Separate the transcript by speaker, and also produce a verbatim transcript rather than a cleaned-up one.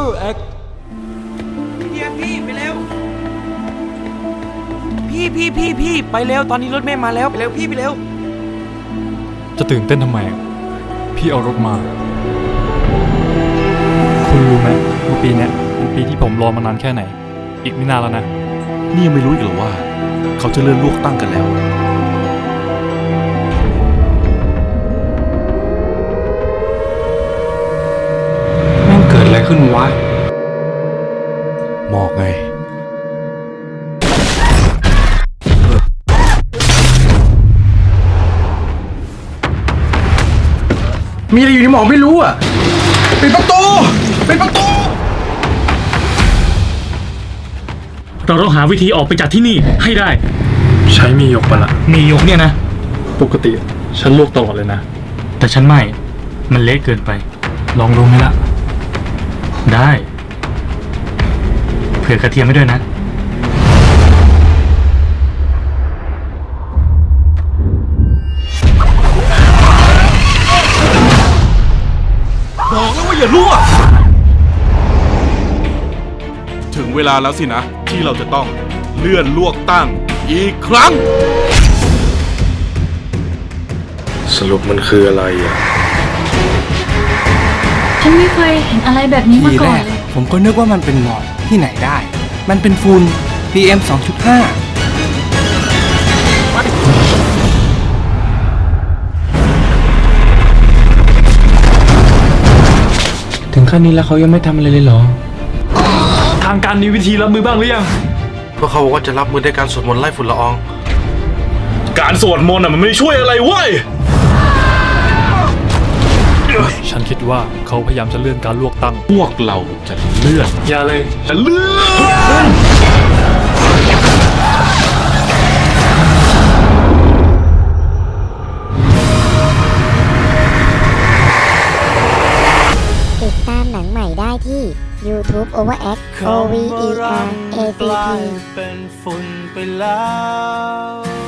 Speaker 1: Overact
Speaker 2: พี่พี่ไปเร็วพี่พี่พี่พี่ไปเร็วตอนนี้รถเมล์มาแล้วไปเร็วพี่ไปเร็ว
Speaker 1: จะตื่นเต้นทำไมพี่เอารถมาคุณรู้ไหมว่าปีนี้เป็นปีที่ผมรอมานานแค่ไหนอีกไม่นานแล้วนะ
Speaker 3: นี่ยังไม่รู้อีกเหรอว่าเขาจะเลื่อนเลือกตั้งกันแล้ว
Speaker 1: แม่งเกิดอะไรขึ้นวะ
Speaker 3: หมอกไงมีอะไรอยู่ในหมอกไม่รู้อ่ะปิดประตูปิดประตู
Speaker 4: เราต้องหาวิธีออกไปจากที่นี่ให้ได้
Speaker 1: ใช้มียกปะละ
Speaker 4: มียกเนี่ยนะ
Speaker 1: ปกติฉันลวกตลอดเลยนะ
Speaker 4: แต่ฉันไม่มันเละเกินไป
Speaker 1: ลองดูไหมล่ะ
Speaker 4: ได้เผื่อกระเทียมไม่ด้วยนะ
Speaker 3: บอกแล้วว่าอย่ารั่วถึงเวลาแล้วสินะที่เราจะต้องเลื่อนลวกตั้งอีกครั้งสรุปมันคืออะไรอ่ะ
Speaker 5: ฉันไม่เคยเห็นอะไรแบบนี้มาก่อนเลย
Speaker 2: ผมก็นึกว่ามันเป็นหมอกที่ไหนได้มันเป็นฝุ่น พี เอ็ม สองจุดห้า
Speaker 1: ถึงขั้นนี้แล้วเขายังไม่ทำอะไรเลยเหรอทางการมีวิธีรับมือบ้างหรือยัง
Speaker 3: พวกเขาบอกว่าจะรับมือด้วยการสวดมนต์ไล่ฝุ่นละออง
Speaker 4: การสวดมนต์อ่ะมันไม่ช่วยอะไรเว้ย
Speaker 1: ฉันคิดว่าเขาพยายามจะเลื่อนการลวกตั้ง
Speaker 3: พวกเราจะเลื่อน
Speaker 1: อย่าเลย
Speaker 3: จะเลื่อน
Speaker 6: ติดตามหนังใหม่ได้ที่ YouTube Overact O V E R A C T
Speaker 2: เป็นฝุ่นไปแล้ว